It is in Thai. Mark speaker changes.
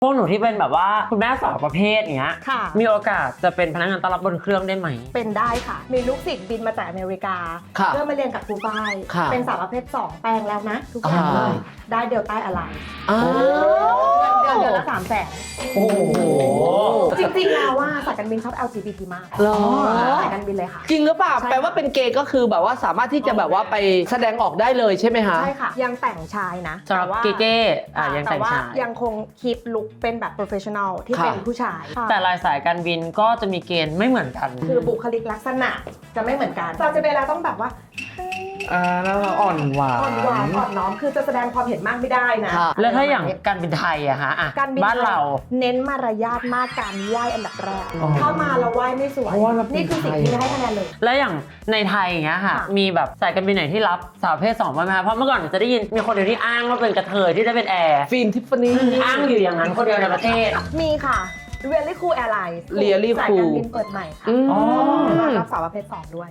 Speaker 1: พวกหนูที่เป็นแบบว่าคุณแม่สาวประเภทเนี้ย
Speaker 2: ค่ะ
Speaker 1: มีโอกาสจะเป็นพนักงานต้อนรับบนเครื่องได้ไหม
Speaker 2: เป็นได้ค่ะ มีลูกศิษย์บินมาจากอเมริกา
Speaker 3: ค่ะ
Speaker 2: เพื่อมาเรียนกับครูฝ้าย
Speaker 3: ค่ะ
Speaker 2: เป็นสาวประเภท 2 แปลงแล้วนะ ทุกอย่างเลย ได้เดลต้าอะไร
Speaker 3: อ้าว
Speaker 2: เดือนละ300,000
Speaker 1: โอ้โห
Speaker 2: จริงๆแล้วว่าสายการบินชอบ LGBT มาก
Speaker 3: เหรอ
Speaker 2: สายการบินเลยค่ะ
Speaker 3: จริงหรือเปล่า
Speaker 2: ใช่
Speaker 3: แปลว่าเป็นเกย์ก็คือแบบว่าสามารถที่จะแบบว่าไปแสดงออกได้เลยใช่ไหมคะ
Speaker 2: ใช่ค่ะ ยังแต่งชายนะ
Speaker 1: สำหรับ
Speaker 2: แต่ว่า
Speaker 1: เก้ๆยังแต่งชาย
Speaker 2: ยังคงคีปลุคเป็นแบบ professional ที่
Speaker 3: ค่ะ
Speaker 2: เป็นผู้ชาย
Speaker 1: แต่รายสายการบินก็จะมีเกณฑ์ไม่เหมือนกัน
Speaker 2: คือบุคลิกลักษณะจะไม่เหมือนกันเราจะเวลาต้องแบบว่า
Speaker 3: แล้วอ่อนหวาน
Speaker 2: อ่อนหวานอ่อนน้อมคือจะแสดงความเห็นมากไม่ได้นะ
Speaker 3: ค่ะ
Speaker 1: แล้วถ้าอย่างการบินไทยอะฮะอะ
Speaker 2: การบิน
Speaker 1: บ้านเรา
Speaker 2: เน้นมารยาทมากการไหว้อันดับแรก
Speaker 1: อ๋อ
Speaker 2: ถ้ามาแล้วไหว้ไม่สวย
Speaker 3: เพราะว่าเราเป็น
Speaker 2: นี่คือสิ่งที่ให้คะแนนเลย
Speaker 1: แล้วอย่างในไทยอย่างเงี้ยค่ะ
Speaker 2: ค่ะ
Speaker 1: มีแบบสายการบินไหนที่รับสาวประเพศ2บ้างไหมคะเพราะเมื่อก่อนจะได้ยินมีคนเดียวที่อ้างว่าเป็นกระเทยที่ได้เป็นแอร์
Speaker 3: ฟิล์มทิฟฟานี่
Speaker 1: อ้างอยู่อย่างนั้นคนเดียวในประเทศ
Speaker 2: มีค่ะ Really Cool Airlines
Speaker 3: Really
Speaker 2: สาย
Speaker 3: Cool
Speaker 2: การบินเปิดใหม่ค่ะ
Speaker 3: อืม
Speaker 2: รับสาวประเภท 2 ด้วย